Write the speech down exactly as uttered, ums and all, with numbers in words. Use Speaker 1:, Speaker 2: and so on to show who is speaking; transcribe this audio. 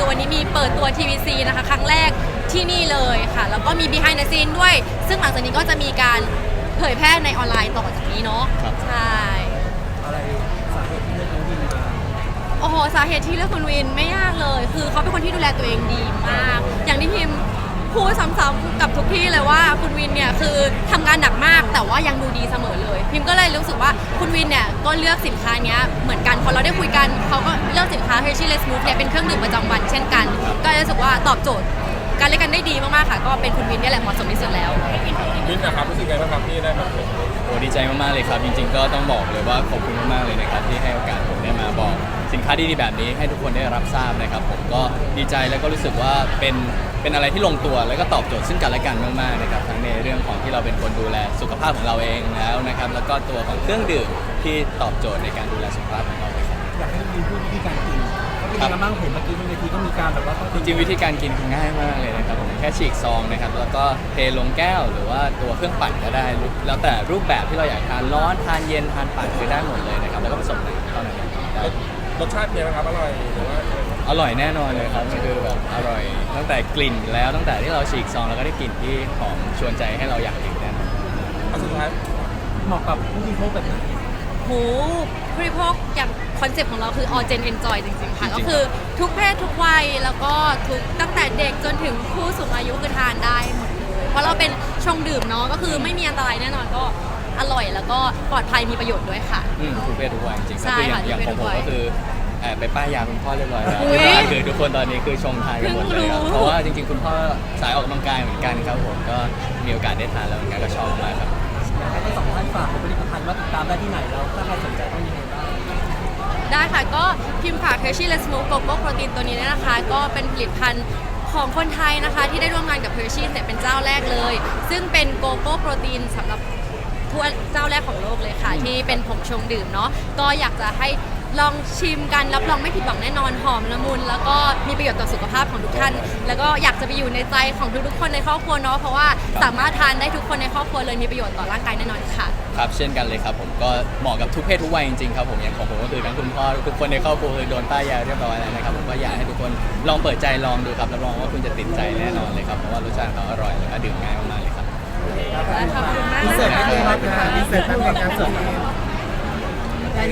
Speaker 1: วันนี้มีเปิดตัว ที วี ซี นะคะครั้งแรกที่นี่เลยค่ะแล้วก็มี behind the scene ด้วยซึ่งหลังจากนี้ก็จะมีการเผยแพร่ในออนไลน์ต่อจากนี้เนาะใช่
Speaker 2: อะไรสาเหตุที่เลือกน้องวินมา
Speaker 1: โอ้โหสาเหตุที่เลือกคุณวินไม่ยากเลยคือเขาเป็นคนที่ดูแลตัวเองดีมากอย่างที่พิมพูดซ้ำๆกับทุกที่เลยว่าคุณวินเนี่ยคือทำงานหนักมากแต่ว่ายังดูดีเสมอเลยพิมก็เลยรู้สึกว่าคุณวินเนี่ยก็เลือกสินค้านี้เหมือนกันพอเราได้คุยกันเขาก็เลือกสินค้า Hershey Smooth เนี่ยเป็นเครื่องดื่มประจำวันเช่นกันก็รู้สึกว่าตอบโจทย์การเล่นกันได้ดีมากๆค่ะก็เป็นคุณวินนี่แหละเหมาะสมที่สุดแล้ว
Speaker 3: วินนะครับรู้สึกไงบ้างครับที่ได้มาเป็น
Speaker 4: โอ้ดีใจมากๆเลยครับจริงๆก็ต้องบอกเลยว่าขอบคุณมากๆเลยนะครับที่ให้โอกาสผมได้มาบอกสินค้าดีๆแบบนี้ให้ทุกคนได้รับทราบนะครับผมก็ดีใจแล้วก็รู้สึกว่าเป็นเป็นอะไรที่ลงตัวแล้วก็ตอบโจทย์ซึ่งกันและกันมากๆนะครับทั้งในเรื่องของที่เราเป็นคนดูแลสุขภาพของเราเองแล้วนะครับแล้วก็ตัวของเครื่องดื่มที่ตอบโจทย์ในการดูแลสุขภาพของเราเลยครับ
Speaker 2: อยากให้วินพูดวิธีการกินก็เป็นยังไงบ้างเห็นเมื่อกี้บนเวทีก็มีการแบบว่าต้อง
Speaker 4: จริงๆวิธีการกินคือง่ายมากเลยนะครับผมแค่ฉีกซองนะครับแล้วก็เทลงแก้วหรือว่าตัวเครื่องปั่นก็ได้แล้วแต่รูปแบบที่เราอยากทานร้อนทานเย็นทานปั่นคือได้หมดเลยนะครับแล้วก็ผสมน้ำเท่านั้น
Speaker 3: รสชาติเป็นไงครับอร่อยหรือว่า
Speaker 4: อร่อยแน่นอนเลยครับมันคือแบบอร่อยตั้งแต่กลิ่นแล้วตั้งแต่ที่เราฉีกซองแล้วก็ได้กลิ่นที่หอมชวนใจให้เราอยากดื่มแน่นอน
Speaker 3: อันสุดท้าย
Speaker 2: เหมาะกับผู้บริโภคแบบไหน
Speaker 1: หูผู้บริโภคอย่างคอนเซ็ปต์ของเราคือ all gen enjoy จริงๆค่ะก็คือทุกเพศทุกวัยแล้วก็ทุกตั้งแต่เด็กจนถึงผู้สูงอายุคือทานได้หมดเลยเพราะเราเป็นชงดื่มเนาะก็คือไม่มีอันตรายแน่นอนก็อร่อยแล้วก็ปลอดภัยมีประโยชน์ด้วยค่ะ
Speaker 4: อืมทุกเพศทุกวัยจริงๆก็
Speaker 1: คือ
Speaker 4: อย่างอย่างของผมก็คือแอบไปป้ายยาคุณพ่อเรียบร้อยแล้วคือทุกคนตอนนี้คือชงทานกันหมดเลยครับเพราะว่าจริงๆคุณพ่อสายออกกำลังกายเหมือนกันครับผมก็มีโอกาสได้ทานแล้วเหมือนกันก็ชอบมากครับ
Speaker 2: อยากให้ทั้งสองท่านฝากผลิตภัณฑ์ว่าติดตามได้ที่ไหนแล้วถ้าใครสนใจต้องยังไงบ้าง
Speaker 1: ได้ค่ะก็พิมพ์ฝาก Hershey Smooth Cocoa Protein ตัวนี้นะคะก็เป็นผลิตภัณฑ์ของคนไทยนะคะที่ได้ร่วมงานกับ Hershey เนี่ยเป็นเจ้าแรกเลยซึ่งเป็นโกโก้โปรตีนสำหรับทั่วเจ้าแรกของโลกเลยค่ะที่เป็นผงชงดื่มเนาะก็อยากจะให้ลองชิมกันรับรองไม่ผิดหวังแน่นอนหอมละมุนแล้วก็มีประโยชน์ต่อสุขภาพของทุกท่านแล้วก็อยากจะไปอยู่ในใจของทุกๆคนในครอบครัวเนาะเพราะว่าสามารถทานได้ทุกคนในครอบครัวเลยมีประโยชน์ต่อร่างกายแน่นอนค่ะ
Speaker 4: ครับเช่นกันเลยครับผมก็เหมาะกับทุกเพศทุกวัยจริงๆครับผมอย่างของผมก็คือทั้งคุณพ่อทุกคนในครอบครัวคือโดนป้ายยาเรียบร้อยแล้วนะครับผมก็อยากให้ทุกคนลองเปิดใจลองดูครับรับรองว่าคุณจะติดใจแน่นอนเลยครับเพราะว่ารสชาติเขาอร่อยแล้วก็ดื่มง่ายมากๆเลยครับ
Speaker 1: ขอบคุณมาก
Speaker 2: พิเศษไม่ได้รับงานพิเศษตั้งแต่การเสิร์ฟ